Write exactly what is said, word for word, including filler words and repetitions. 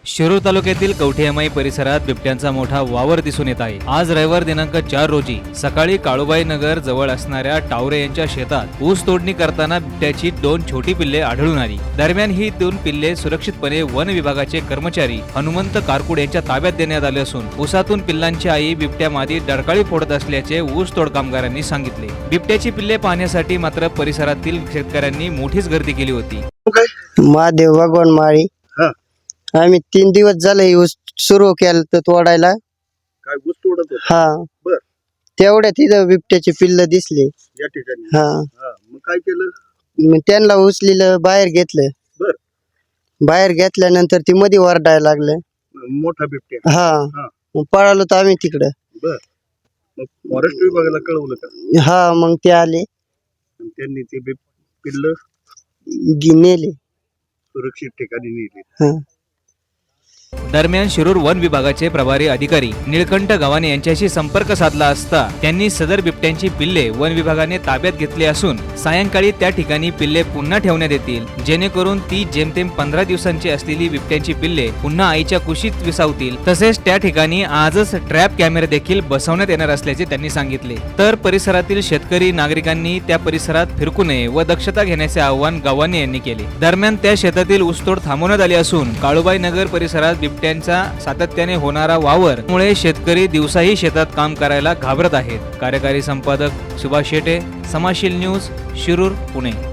शिरूर तालुक्यातील कवठेमाई परिसरात बिबट्यांचा मोठा वावर दिसून येत आहे। आज रविवार दिनांक चार रोजी सकाळी काळूबाई नगर जवळ असणाऱ्या टावरे यांच्या शेतात ऊस तोडणी करताना बिबट्याची दोन छोटी पिल्ले आढळून आली। दरम्यान ही दोन पिल्ले सुरक्षितपणे वन विभागाचे कर्मचारी हनुमंत कारकुड यांच्या ताब्यात देण्यात आले असून ऊसातून पिल्लांची आई बिबट्या मादी डरकाळी फोडत असल्याचे ऊस तोड कामगारांनी सांगितले। बिबट्याची पिल्ले पाहण्यासाठी मात्र परिसरातील शेतकऱ्यांनी मोठीच गर्दी केली होती। महादेव भगवान माळी आम्ही तीन दिवस झाले ऊस सुरू केलं तर तोडायला। काय ऊस तोडत होता? हा बर तेवढ्यात तिथं बिबट्याचे पिल्ल दिसले या ठिकाणी। हा हा मग काय केलं? मग त्यांना उचलीलं बाहेर घेतलं। बर बाहेर घेतल्यानंतर ती मध्ये वरडायला लागलं। मोठा बिबट्या। हा हा मग पळालो तर आम्ही तिकडं। बर मग फॉरेस्ट विभागाला कळवलं का? हा मग ते आले आणि त्यांनी ते बिब पिल्ल गी- नेले। सुरक्षित ठिकाणी नेले। हा दरम्यान शिरूर वन विभागाचे प्रभारी अधिकारी निळकंठ गव्हाणे यांच्याशी संपर्क साधला असता त्यांनी सदर बिबट्यांची पिल्ले वन विभागाने ताब्यात घेतली असून सायंकाळी त्या ठिकाणी पिल्ले पुन्हा ठेवण्यात येतील, जेणेकरून ती जेमतेम पंधरा दिवसांची असलेली बिबट्यांची पिल्ले पुन्हा आईच्या कुशीत विसावतील। तसेच त्या ठिकाणी आजच ट्रॅप कॅमेरे देखील बसवण्यात येणार असल्याचे त्यांनी सांगितले। तर परिसरातील शेतकरी नागरिकांनी त्या परिसरात फिरकू नये व दक्षता घेण्याचे आवाहन गव्हाणे यांनी केले। दरम्यान त्या शेतातील ऊसतोड थांबवण्यात आली असून काळूबाई नगर परिसरात बिबट्यांचा सातत्याने होणारा वावर मुळे शेतकरी दिवसाही शेतात काम करायला घाबरत आहेत। कार्यकारी संपादक सुभाष शेटे, समाजशील न्यूज, शिरूर, पुणे।